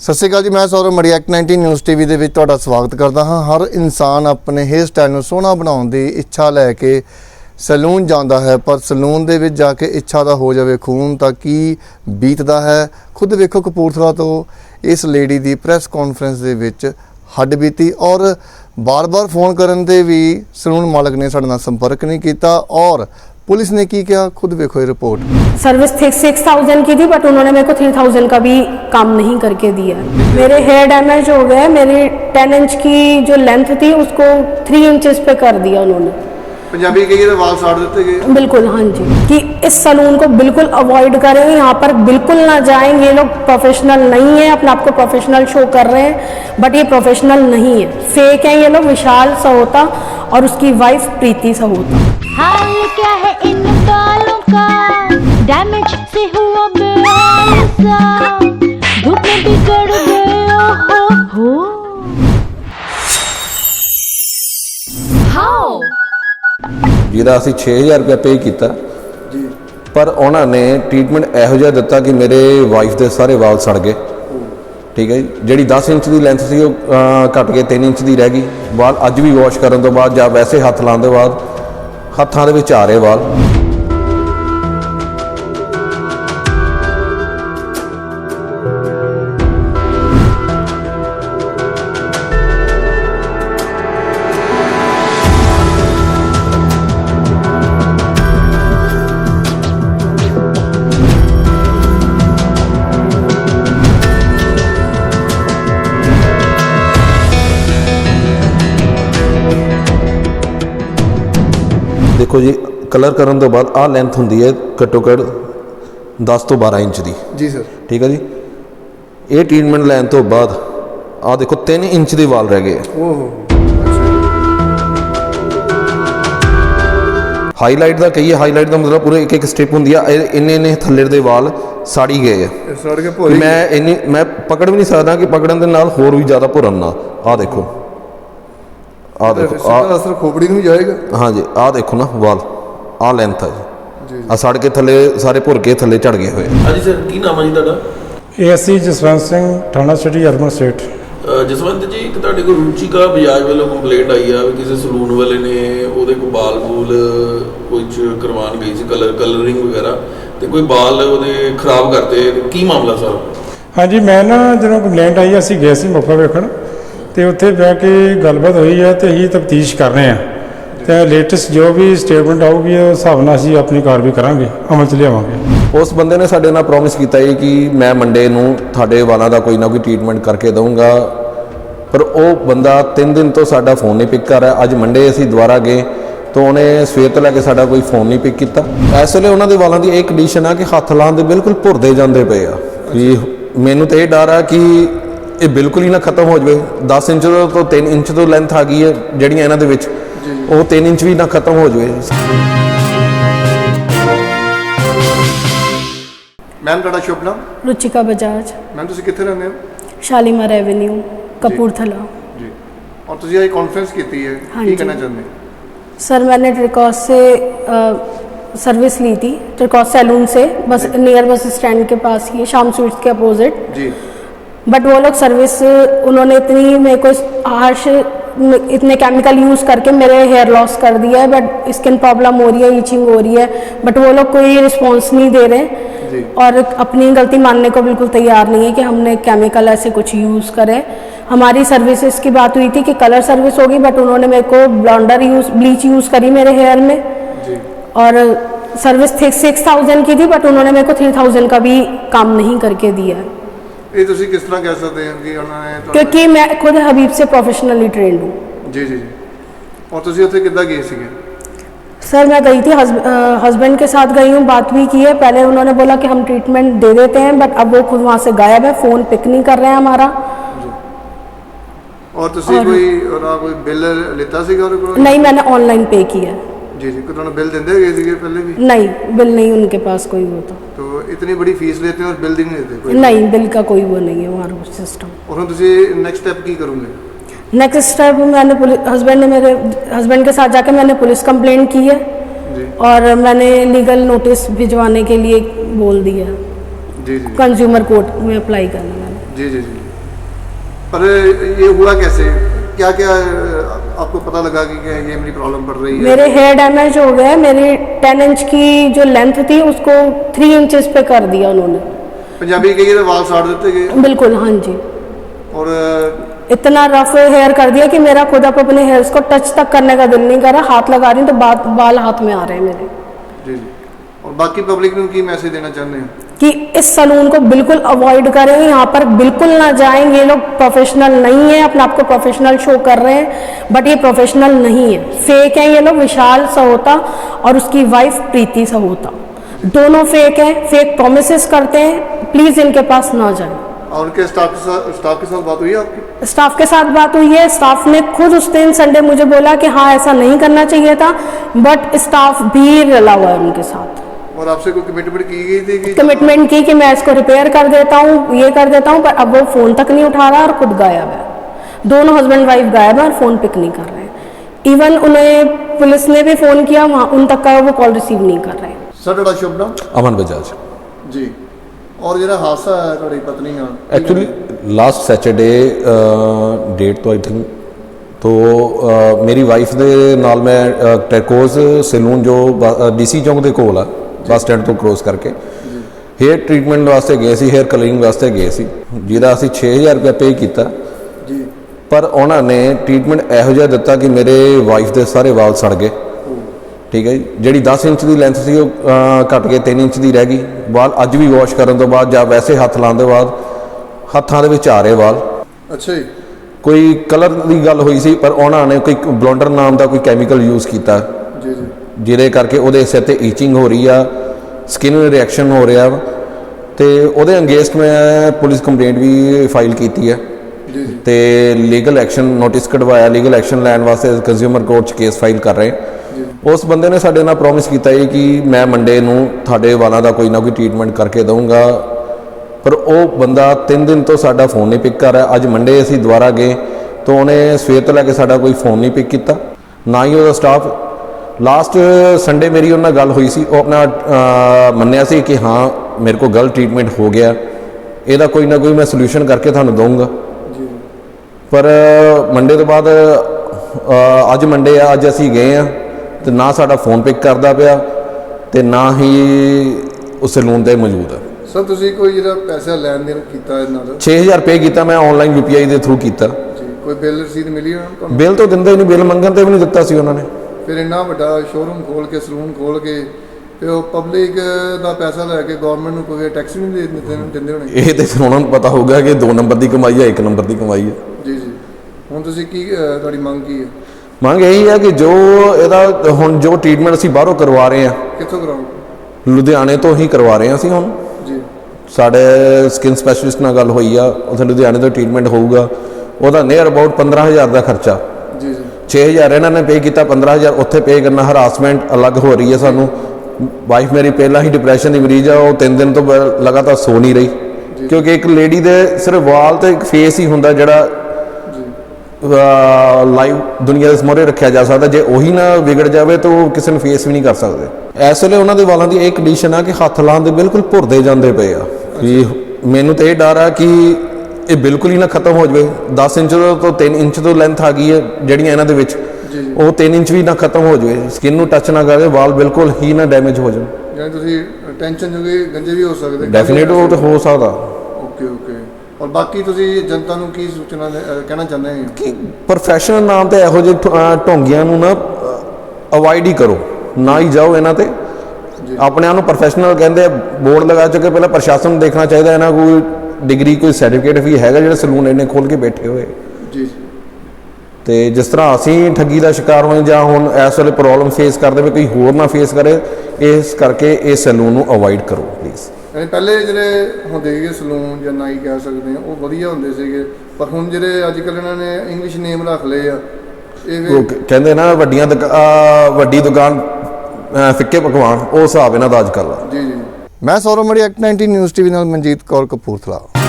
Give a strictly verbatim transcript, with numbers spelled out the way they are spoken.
सत श्री अकाल जी, मैं सौरभ मड़ी एक्ट नाइनटीन न्यूज़ टीवी ਦੇ ਵਿੱਚ ਤੁਹਾਡਾ ਸਵਾਗਤ ਕਰਦਾ ਹਾਂ। ਹਰ ਇਨਸਾਨ ਆਪਣੇ ਹੇਅਰ ਸਟਾਈਲ ਨੂੰ ਸੋਹਣਾ ਬਣਾਉਣ ਦੀ ਇੱਛਾ ਲੈ ਕੇ ਸੈਲੂਨ ਜਾਂਦਾ ਹੈ, ਪਰ ਸੈਲੂਨ ਦੇ ਵਿੱਚ ਜਾ ਕੇ ਇੱਛਾ ਦਾ ਹੋ ਜਾਵੇ ਖੂਨ ਤਾਂ ਕੀ ਬੀਤਦਾ ਹੈ। ਖੁਦ ਵੇਖੋ ਕਪੂਰਥਲਾ ਤੋਂ ਇਸ ਲੇਡੀ ਦੀ ਪ੍ਰੈਸ ਕਾਨਫਰੰਸ ਦੇ ਵਿੱਚ ਹੱਡ ਬੀਤੀ और बार-बार फोन करने ते भी सैलून मालिक ने साडे नाल संपर्क नहीं किया और पुलिस ने की क्या, खुद देखो ये रिपोर्ट। सर्विस थी सिक्स थाउजेंड की थी बट उन्होंने मेरे को थ्री थाउजेंड का भी काम नहीं करके दिया। मेरे हेयर डैमेज हो गए, मेरी टेन इंच की जो लेंथ थी उसको थ्री इंचेस पे कर दिया उन्होंने। पंजाबी के ये वाल साड़ देते गए। बिल्कुल हाँ जी, कि इस सैलून को बिल्कुल अवॉइड करें, यहाँ पर बिल्कुल ना जाएं। ये लोग प्रोफेशनल नहीं है, अपने आप को प्रोफेशनल शो कर रहे हैं बट ये प्रोफेशनल नहीं है, फेक है ये लोग। विशाल सहोता और उसकी वाइफ प्रीति सहोता। हाल क्या है इन बालों का, डैमेज से हुआ बेहाल सा, धूप में बिगड़ गए हो हो। हाउ ਜਿਹਦਾ ਅਸੀਂ छे हज़ार रुपया पे किया जी, पर उन्होंने ट्रीटमेंट ਇਹੋ ਜਿਹਾ ਦਿੱਤਾ कि मेरे वाइफ ਦੇ ਸਾਰੇ ਵਾਲ ਸੜ ਗਏ। ठीक है जी, ਜਿਹੜੀ दस इंच ਦੀ ਲੈਂਥ ਸੀ ਉਹ ਘਟ ਕੇ तीन इंच ਦੀ ਰਹਿ ਗਈ। ਵਾਲ ਅੱਜ ਵੀ ਵਾਸ਼ ਕਰਨ ਤੋਂ ਬਾਅਦ ਜਾਂ ਵੈਸੇ ਹੱਥ ਲਾਉਣ ਤੋਂ ਬਾਅਦ ਹੱਥਾਂ ਦੇ ਵਿੱਚ ਆ ਰਹੇ ਵਾਲ। देखो जी, कलर करने तो बाद आ लेंथ होंगी है घट्टो घट दस तो बारह इंच की जी सर। ठीक है जी, ये ट्रीटमेंट लैन तो बाद आ देखो तीन इंच के वाल रह गए। हाईलाइट का कही है, हाईलाइट का मतलब पूरे एक एक स्ट्रिप होंगी है, इन्ने इन्ने थल्ले दे वाल साड़ी गए है। मैं इन्नी मैं पकड़ भी नहीं सकता कि पकड़न के नाल होर भी ज़्यादा भुरन ना। आ देखो आ देखो असर खोपड़ी में जाएगा। हाँ जी, आ देखो ना वाल आ लेंथ है जी, आ सड़ के थले सारे भुर के थले झड़ गए हुए। हाँ जी सर, की नाम है जी तुहाडा? एएससी जसवंत सिंह, थाना city urban state. Jaswant ji, एक तुहाडे कोल रुचिका बजाज वालों कंप्लेंट आई है कि किसी सलून वाले ने ਉਹਦੇ कोल बाल बूल कुछ करवान गई सी, कलर कलरिंग वगैरह ਤੇ कोई बाल ਉਹਦੇ खराब करते, की मामला सर? हाँ जी, मैं ना ਜਦੋਂ ਕੰਪਲੇਂਟ ਆਈ ਅਸੀਂ ਗਏ ਸੀ ਮੌਕਾ ਵੇਖਣ ਤੇ ਉੱਥੇ ਬਹਿ ਕੇ ਗੱਲਬਾਤ ਹੋਈ ਹੈ ਤੇ ਅਸੀਂ ਤਫਤੀਸ਼ ਕਰ ਰਹੇ ਹਾਂ ਤੇ ਲੇਟੈਸਟ ਜੋ ਵੀ ਸਟੇਟਮੈਂਟ ਆਊਗੀ ਉਸ ਹਿਸਾਬ ਨਾਲ ਅਸੀਂ ਆਪਣੀ ਕਾਰਵਾਈ ਕਰਾਂਗੇ, ਅਮਲ 'ਚ ਲਿਆਵਾਂਗੇ। ਉਸ ਬੰਦੇ ਨੇ ਸਾਡੇ ਨਾਲ ਪ੍ਰੋਮਿਸ ਕੀਤਾ ਹੈ ਕਿ ਮੈਂ ਮੰਡੇ ਨੂੰ ਤੁਹਾਡੇ ਵਾਲਾਂ ਦਾ ਕੋਈ ਨਾ ਕੋਈ ਟ੍ਰੀਟਮੈਂਟ ਕਰਕੇ ਦਊਂਗਾ, ਪਰ ਉਹ ਬੰਦਾ ਤਿੰਨ ਦਿਨ ਤੋਂ ਸਾਡਾ ਫੋਨ ਨਹੀਂ ਪਿਕ ਕਰ ਰਿਹਾ। ਅੱਜ ਮੰਡੇ ਅਸੀਂ ਦੁਬਾਰਾ ਗਏ ਤਾਂ ਉਹਨੇ ਸਵੇਰ ਤੋਂ ਲੈ ਕੇ ਸਾਡਾ ਕੋਈ ਫੋਨ ਨਹੀਂ ਪਿਕ ਕੀਤਾ। ਇਸ ਵੇਲੇ ਉਹਨਾਂ ਦੇ ਵਾਲਾਂ ਦੀ ਇਹ ਕੰਡੀਸ਼ਨ ਆ ਕਿ ਹੱਥ ਲਾਉਣ ਦੇ ਬਿਲਕੁਲ ਭੁਰਦੇ ਜਾਂਦੇ ਪਏ ਆ। ਕਿ ਮੈਨੂੰ ਤਾਂ ਇਹ ਡਰ ਆ ਕਿ ਇਹ ਬਿਲਕੁਲ ਹੀ ਨਾ ਖਤਮ ਹੋ ਜਾਵੇ। दस इंच ਤੋਂ तीन इंच ਤੋਂ ਲੈਂਥ ਆ ਗਈ ਹੈ ਜਿਹੜੀਆਂ ਇਹਨਾਂ ਦੇ ਵਿੱਚ, ਉਹ तीन इंच ਵੀ ਨਾ ਖਤਮ ਹੋ ਜਾਵੇ। मैम ਤੁਹਾਡਾ ਸ਼ੁਭ ਨਾਮ? रुचिका बजाज। मैम ਤੁਸੀਂ ਕਿੱਥੇ ਰਹਿੰਦੇ ਹੋ? शालीमार एवेन्यू कपूरथला जी। और ਤੁਸੀਂ ਇਹ ਕਾਨਫਰੰਸ ਕੀਤੀ ਹੈ, हाँ ਕੀ जी। ਕਹਿਣਾ ਚਾਹੁੰਦੇ? सर मैंने ट्रिकॉस से आ, सर्विस ली थी, ट्रिकॉस सैलून से, बस नियर बस स्टैंड के पास ही, शाम स्वीट्स के अपोजिट जी। बट वो लोग सर्विस उन्होंने इतनी मेरे को हार्श इतने केमिकल यूज़ करके मेरे हेयर लॉस कर दिया है, बट स्किन प्रॉब्लम हो रही है, ईचिंग हो रही है, बट वो लोग कोई रिस्पॉन्स नहीं दे रहे और अपनी गलती मानने को बिल्कुल तैयार नहीं है कि हमने केमिकल ऐसे कुछ यूज़ करें। हमारी सर्विसेज की बात हुई थी कि कलर सर्विस होगी, बट उन्होंने मेरे को ब्लॉन्डर यूज़ ब्लीच यूज़ करी मेरे हेयर में जी। और सर्विस थी सिक्स थाउजेंड की थी बट उन्होंने मेरे को थ्री थाउजेंड का भी काम नहीं करके दिया है। ਇਹ ਤੁਸੀਂ ਕਿਸ ਤਰ੍ਹਾਂ ਕਹਿ ਸਕਦੇ ਹੋ ਕਿ ਉਹਨਾਂ ਨੇ ਤੁਹਾਨੂੰ- क्योंकि मैं खुद हबीब से प्रोफेशनली ट्रेंड हूँ। जी जी जी। और ਤੁਸੀਂ ਉੱਥੇ ਕਿੱਦਾਂ ਗਏ ਸੀਗੇ? सर मैं गई थी, हस्बैंड के साथ गई हूँ, बात भी की है। पहले उन्होंने बोला कि हम ट्रीटमेंट दे देते हैं, बट अब वो खुद वहाँ से गायब है, फ़ोन पिक नहीं कर रहे हैं हमारा। और ਤੁਸੀਂ ਕੋਈ ਉਹਨਾਂ ਕੋਈ ਬਿੱਲ ਲਿੱਤਾ ਸੀਗਾ ਉਹਦੇ ਕੋਲ? नहीं, मैंने ऑनलाइन पे किया है। जी जी। कोई ਤੁਹਾਨੂੰ ਬਿੱਲ ਦਿੰਦੇ ਹੈਗੇ ਸੀਗੇ ਪਹਿਲੇ ਵੀ? नहीं, बिल नहीं उनके पास कोई वो तो तो इतनी बड़ी फीस लेते हैं और बिल भी नहीं देते कोई? नहीं, बिल का कोई वो नहीं है हमारा सिस्टम। और हम तुझे नेक्स्ट स्टेप की करूँगे? नेक्स्ट स्टेप मैंने पुलिस हस्बैंड ने मेरे हस्बैंड के साथ जाके मैंने पुलिस कंप्लेंट की है जी। और मैंने लीगल नोटिस भिजवाने के लिए बोल दिया जी जी। कंज्यूमर कोर्ट में अप्लाई करना मैंने। जी जी जी। पर ये हुआ कैसे, क्या क्या आपको पता लगा कि क्या ये मेरी प्रॉब्लम पड़ रही है? मेरे हेयर डैमेज हो गए, मेरी टेन इंच की जो लेंथ थी उसको थ्री इंचेस पे कर दिया उन्होंने। पंजाबी कहिए तो वाल साड़ देते गए। बिल्कुल, हाँ जी। और इतना रफ हेयर कर दिया कि मेरा खुद अब अपने हेयर्स को टच तक करने का दिल नहीं कर रहा, हाथ लगा रही हूँ तो बात बाल हाथ में आ रहे हैं मेरे। जी जी। और बाकी पब्लिक में की मैसेज देना चाहते हैं कि इस सलून को बिल्कुल अवॉइड करें, यहाँ पर बिल्कुल ना जाएं, ये लोग प्रोफेशनल नहीं है, अपने आप को प्रोफेशनल शो कर रहे हैं बट ये प्रोफेशनल नहीं है, फेक है ये लोग। विशाल सहोता और उसकी वाइफ प्रीति सहोता दोनों फेक हैं, फेक प्रोमिसेस करते हैं, प्लीज़ इनके पास ना जाएं। और उनके स्टाफ के साथ स्टाफ के साथ बात हुई है आपकी? स्टाफ के साथ बात हुई है, स्टाफ ने खुद उस दिन संडे मुझे बोला कि हाँ ऐसा नहीं करना चाहिए था, बट स्टाफ भी रला हुआ है उनके साथ। और आपसे कोई कमिटमेंट की गई थी कि कमिटमेंट की कि मैं इसको रिपेयर कर देता हूँ, ये कर देता हूँ, पर अब वो फ़ोन तक नहीं उठा रहा और खुद गायब है। दोनों हस्बैंड वाइफ गायब है और फ़ोन पिक नहीं कर रहे हैं। इवन उन्हें पुलिस ने भी फ़ोन किया, वहाँ उन तक का वो कॉल रिसीव नहीं कर रहे हैं। सर ਤੁਹਾਡਾ शुभ नाम? ਅਮਨ ਬਜਾਜ जी। और ਜਿਹੜਾ ਹਾਦਸਾ ਹੈ ਤੁਹਾਡੀ ਪਤਨੀ ਨਾਲ, एक्चुअली लास्ट सैटरडे डेट तो आई थिंक तो uh, मेरी वाइफ ਦੇ ਨਾਲ ਮੈਂ ਟੈਕੋਜ਼ ਸੈਲੂਨ ਜੋ ਡੀਸੀ ਚੌਂਕ ਦੇ ਕੋਲ ਆ ਬੱਸ ਸਟੈਂਡ ਤੋਂ ਕ੍ਰੋਸ ਕਰਕੇ ਹੇਅਰ ਟ੍ਰੀਟਮੈਂਟ ਵਾਸਤੇ ਗਏ ਸੀ, ਹੇਅਰ ਕਲਰਿੰਗ ਵਾਸਤੇ ਗਏ ਸੀ, ਜਿਹਦਾ ਅਸੀਂ ਛੇ ਹਜ਼ਾਰ ਰੁਪਏ ਪੇ ਕੀਤਾ ਜੀ। ਪਰ ਉਹਨਾਂ ਨੇ ਟ੍ਰੀਟਮੈਂਟ ਇਹੋ ਜਿਹਾ ਦਿੱਤਾ ਕਿ ਮੇਰੇ ਵਾਈਫ ਦੇ ਸਾਰੇ ਵਾਲ ਸੜ ਗਏ। ਠੀਕ ਹੈ ਜੀ, ਜਿਹੜੀ ਦਸ ਇੰਚ ਦੀ ਲੈਂਥ ਸੀ ਉਹ ਅਹ, ਘੱਟ ਕੇ ਤਿੰਨ ਇੰਚ ਦੀ ਰਹਿ ਗਈ। ਵਾਲ ਅੱਜ ਵੀ ਵਾਸ਼ ਕਰਨ ਤੋਂ ਬਾਅਦ ਜਾਂ ਵੈਸੇ ਹੱਥ ਲਾਉਣ ਦੇ ਬਾਅਦ ਹੱਥਾਂ ਦੇ ਵਿੱਚ ਆ ਰਹੇ ਵਾਲ। ਅੱਛਾ ਜੀ। ਕੋਈ ਕਲਰ ਦੀ ਗੱਲ ਹੋਈ ਸੀ ਪਰ ਉਹਨਾਂ ਨੇ ਕੋਈ ਬਲੌਂਡਰ ਨਾਮ ਦਾ ਕੋਈ ਕੈਮੀਕਲ ਯੂਜ਼ ਕੀਤਾ ਜੀ ਜੀ। ਜਿਹਦੇ ਕਰਕੇ ਉਹਦੇ ਸਿਰ ਤੇ ਈਚਿੰਗ ਹੋ ਰਹੀ ਆ, ਸਕਿਨ ਰਿਐਕਸ਼ਨ ਹੋ ਰਿਹਾ ਵਾ, ਤੇ ਉਹਦੇ ਅਗੇਂਸਟ ਮੈਂ ਪੁਲਿਸ ਕੰਪਲੇਂਟ ਵੀ ਫਾਈਲ ਕੀਤੀ ਹੈ ਜੀ ਜੀ। ਤੇ ਲੀਗਲ ਐਕਸ਼ਨ ਨੋਟਿਸ ਕਢਵਾਇਆ, ਲੀਗਲ ਐਕਸ਼ਨ ਲੈਣ ਵਾਸਤੇ ਕੰਜ਼ਿਊਮਰ ਕੋਰਟ 'ਚ ਕੇਸ ਫਾਈਲ ਕਰ ਰਹੇ। ਉਸ ਬੰਦੇ ਨੇ ਸਾਡੇ ਨਾਲ ਪ੍ਰੋਮਿਸ ਕੀਤਾ ਹੈ ਕਿ ਮੈਂ ਮੰਡੇ ਨੂੰ ਤੁਹਾਡੇ ਵਾਲਾਂ ਦਾ ਕੋਈ ਨਾ ਕੋਈ ਟ੍ਰੀਟਮੈਂਟ ਕਰਕੇ ਦਊਂਗਾ, ਪਰ ਉਹ ਬੰਦਾ ਤਿੰਨ ਦਿਨ ਤੋਂ ਸਾਡਾ ਫੋਨ ਨਹੀਂ ਪਿਕ ਕਰ ਰਿਹਾ। ਅੱਜ ਮੰਡੇ ਅਸੀਂ ਦੁਬਾਰਾ ਗਏ ਤਾਂ ਉਹਨੇ ਸਵੇਰ ਤੋਂ ਲੈ ਕੇ ਸਾਡਾ ਕੋਈ ਫੋਨ ਨਹੀਂ ਪਿਕ ਕੀਤਾ, ਨਾ ਹੀ ਉਹਦਾ ਸਟਾਫ। ਲਾਸਟ ਸੰਡੇ ਮੇਰੀ ਉਹਨਾਂ ਨਾਲ ਗੱਲ ਹੋਈ ਸੀ, ਉਹ ਆਪਣਾ ਅਹ, ਮੰਨਿਆ ਸੀ ਕਿ ਹਾਂ ਮੇਰੇ ਕੋਲ ਗਲਤ ਟ੍ਰੀਟਮੈਂਟ ਹੋ ਗਿਆ, ਇਹਦਾ ਕੋਈ ਨਾ ਕੋਈ ਮੈਂ ਸੋਲੂਸ਼ਨ ਕਰਕੇ ਤੁਹਾਨੂੰ ਦਊਂਗਾ। ਪਰ ਮੰਡੇ ਤੋਂ ਬਾਅਦ ਅਹ, ਅੱਜ ਮੰਡੇ ਆ, ਅੱਜ ਅਸੀਂ ਗਏ ਆ ਤੇ ਨਾ ਸਾਡਾ ਫੋਨ ਪਿਕ ਕਰਦਾ ਪਿਆ ਤੇ ਨਾ ਹੀ ਉਸ ਸੈਲੂਨ ਤੇ ਮੌਜੂਦ ਹੈ। ਸਰ ਤੁਸੀਂ ਕੋਈ ਜਿਹੜਾ ਪੈਸਾ ਲੈਣ ਦੇਣ ਕੀਤਾ ਇਹਨਾਂ ਦਾ? ਛੇ ਹਜ਼ਾਰ ਪੇ ਕੀਤਾ ਮੈਂ ਆਨਲਾਈਨ ਯੂ ਪੀ ਆਈ ਦੇ ਥਰੂ ਕੀਤਾ ਜੀ। ਕੋਈ ਬਿੱਲ ਰਸੀਦ ਮਿਲੀ ਉਹਨਾਂ ਨੂੰ ਤੁਹਾਨੂੰ? ਬਿੱਲ ਤਾਂ ਦਿੰਦੇ ਹੀ ਨਹੀਂ, ਬਿੱਲ ਮੰਗਣ ਤੇ ਵੀ ਨਹੀਂ ਦਿੱਤਾ ਸੀ ਉਹਨਾਂ ਨੇ। ਫਿਰ ਇੰਨਾ ਵੱਡਾ ਸ਼ੋਰੂਮ ਖੋਲ ਕੇ ਸਲੂਨ ਖੋਲ ਕੇ ਤੇ ਉਹ ਪਬਲਿਕ ਦਾ ਪੈਸਾ ਲੈ ਕੇ ਗਵਰਨਮੈਂਟ ਨੂੰ ਕੋਈ ਟੈਕਸ ਵੀ ਨਹੀਂ ਦੇ ਦਿੰਦੇ ਹੋਣੇ? ਇਹ ਤੇ ਫਿਰ ਉਹਨਾਂ ਨੂੰ ਪਤਾ ਹੋਊਗਾ ਕਿ ਦੋ ਨੰਬਰ ਦੀ ਕਮਾਈ ਹੈ, ਇੱਕ ਨੰਬਰ ਦੀ ਕਮਾਈ ਹੈ। ਜੀ ਜੀ। ਹੁਣ ਤੁਸੀਂ ਕੀ ਅਹ, ਤੁਹਾਡੀ ਮੰਗ ਕੀ ਹੈ? ਮੰਗ ਇਹੀ ਹੈ ਕਿ ਜੋ ਇਹਦਾ ਹੁਣ ਜੋ ਟ੍ਰੀਟਮੈਂਟ ਅਸੀਂ ਬਾਹਰੋਂ ਕਰਵਾ ਰਹੇ ਹਾਂ, ਕਿੱਥੋਂ ਕਰਾਓ? ਲੁਧਿਆਣੇ ਤੋਂ ਹੀ ਕਰਵਾ ਰਹੇ ਹਾਂ ਅਸੀਂ। ਹੁਣ ਜੀ। ਸਾਡੇ ਸਕਿਨ ਸਪੈਸ਼ਲਿਸਟ ਨਾਲ ਗੱਲ ਹੋਈ ਆ, ਉੱਥੇ ਲੁਧਿਆਣੇ ਤੋਂ ਟ੍ਰੀਟਮੈਂਟ ਹੋਊਗਾ, ਉਹਦਾ ਨੀਅਰ ਅਬਾਊਟ ਪੰਦਰਾਂ ਹਜ਼ਾਰ ਦਾ ਖਰਚਾ। ਜੀ ਜੀ। ਛੇ ਹਜ਼ਾਰ ਇਹਨਾਂ ਨੇ ਪੇ ਕੀਤਾ, ਪੰਦਰਾਂ ਹਜ਼ਾਰ ਉੱਥੇ ਪੇ ਕਰਨਾ। ਹਰਾਸਮੈਂਟ ਅਲੱਗ ਹੋ ਰਹੀ ਹੈ ਸਾਨੂੰ। ਵਾਈਫ ਮੇਰੀ ਪਹਿਲਾਂ ਹੀ ਡਿਪਰੈਸ਼ਨ ਦੀ ਮਰੀਜ਼ ਆ, ਉਹ ਤਿੰਨ ਦਿਨ ਤੋਂ ਬ- ਲਗਾਤਾਰ ਸੋ ਨਹੀਂ ਰਹੀ, ਕਿਉਂਕਿ ਇੱਕ ਲੇਡੀ ਦੇ ਸਿਰਫ ਵਾਲ ਤੇ ਇੱਕ ਫੇਸ ਹੀ ਹੁੰਦਾ ਜਿਹੜਾ ਲਾਈਵ ਦੁਨੀਆ ਦੇ ਮੋਹਰੇ ਰੱਖਿਆ ਜਾ ਸਕਦਾ। ਜੇ ਉਹੀ ਨਾ ਵਿਗੜ ਜਾਵੇ ਤਾਂ ਉਹ ਕਿਸੇ ਨੂੰ ਫੇਸ ਵੀ ਨਹੀਂ ਕਰ ਸਕਦੇ। ਇਸ ਵੇਲੇ ਉਹਨਾਂ ਦੇ ਵਾਲਾਂ ਦੀ ਇਹ ਕੰਡੀਸ਼ਨ ਆ ਕਿ ਹੱਥ ਲਾਉਣ ਦੇ ਬਿਲਕੁਲ ਭੁਰਦੇ ਜਾਂਦੇ ਪਏ ਆ। ਕਿ ਮੈਨੂੰ ਤਾਂ ਇਹ ਡਰ ਆ ਕਿ ਇਹ ਬਿਲਕੁਲ ਹੀ ਨਾ ਖਤਮ ਹੋ ਜਾਵੇ। ਦਸ ਇੰਚ ਤੋਂ ਤਿੰਨ ਇੰਚ ਤੋਂ ਲੈਂਥ ਆ ਗਈ ਹੈ ਜਿਹੜੀਆਂ ਇਹਨਾਂ ਦੇ ਵਿੱਚ, ਉਹ ਤਿੰਨ ਇੰਚ ਵੀ ਨਾ ਖਤਮ ਹੋ ਜਾਵੇ, ਸਕਿਨ ਨੂੰ ਟੱਚ ਨਾ ਕਰੇ, ਵਾਲ ਬਿਲਕੁਲ ਹੀ ਨਾ ਡੈਮੇਜ ਹੋ ਜਾਣ। ਯਾਨੀ ਤੁਸੀਂ ਟੈਨਸ਼ਨ ਜੋਗੇ ਗੰਜੇ ਵੀ ਹੋ ਸਕਦੇ? ਡੈਫੀਨੇਟ ਉਹ ਤਾਂ ਹੋ ਸਕਦਾ। Okay okay. ਔਰ ਬਾਕੀ ਤੁਸੀਂ ਜਨਤਾ ਨੂੰ ਕੀ ਸੂਚਨਾ ਦੇ- ਅਹ, ਕਹਿਣਾ ਚਾਹੁੰਦੇ ਹੋ? ਕਿ ਪ੍ਰੋਫੈਸ਼ਨਲ ਨਾਮ ਤੇ ਇਹੋ ਜਿਹੇ ਠ- ਅਹ ਢੋਂਗੀਆਂ ਨੂੰ ਨਾ ਅਵਾਇਡ ਹੀ ਕਰੋ, ਨਾ ਹੀ ਜਾਓ ਇਹਨਾਂ ਤੇ। ਆਪਣੇ ਆਪ ਨੂੰ ਪ੍ਰੋਫੈਸ਼ਨਲ ਕਹਿੰਦੇ, ਬੋਰਡ ਲਗਾ ਚੁੱਕੇ, ਪਹਿਲਾਂ ਪ੍ਰਸ਼ਾਸਨ ਨੂੰ ਦੇਖਣਾ ਚਾਹੀਦਾ ਇਹਨਾਂ ਕੋਈ ਡਿਗਰੀ ਕੋਈ ਸਰਟੀਫਿਕੇਟ ਵੀ ਹੈਗਾ ਜਿਹੜਾ ਸਲੂਨ ਇਹਨੇ ਖੋਲ ਕੇ ਬੈਠੇ ਹੋਏ। ਜੀ। ਤੇ ਜਿਸ ਤਰ੍ਹਾਂ ਅਸੀਂ ਠੱਗੀ ਦਾ ਸ਼ਿਕਾਰ ਹੋਏ ਜਾਂ ਹੁਣ ਇਸ ਵੇਲੇ ਪ੍ਰੋਬਲਮ ਫੇਸ ਕਰਦੇ ਵੀ ਕੋਈ ਹੋਰ ਨਾ ਫੇਸ ਕਰੇ, ਇਸ ਕਰਕੇ ਇਸ ਸਲੂਨ ਨੂੰ ਅਵਾਇਡ ਕਰੋ ਪਲੀਜ਼। ਯਾਨੀ ਪਹਿਲੇ ਜਿਹੜੇ ਹੁੰਦੇ ਸੀਗੇ ਸਲੂਨ ਜਾਂ ਨਾਈ ਕਹਿ ਸਕਦੇ ਆ, ਉਹ ਵਧੀਆ ਹੁੰਦੇ ਸੀਗੇ, ਪਰ ਹੁਣ ਜਿਹੜੇ ਅੱਜ ਕੱਲ੍ਹ ਇਹਨਾਂ ਨੇ ਇੰਗਲਿਸ਼ ਨੇਮ ਰੱਖ ਲਏ ਆ। ਇਹ ਵੀ- ਉਹ ਕ- ਕਹਿੰਦੇ ਨਾ ਵੱਡੀਆਂ ਦੁਕਾ- ਅਹ ਵੱਡੀ ਦੁਕਾਨ ਅਹ ਫਿੱਕੇ ਪਕਵਾਨ, ਉਹ ਹਿਸਾਬ ਇਹਨਾਂ ਦਾ ਅੱਜ ਕੱਲ੍ਹ ਆ। ਜੀ ਜੀ। ਮੈਂ ਸੌਰਵ ਮੜੀ, ਐਕਟ ਨਾਈਨਟੀ ਨਿਊਜ਼ ਟੀਵੀ ਨਾਲ ਮਨਜੀਤ ਕੌਰ ਕਪੂਰਥਲਾ।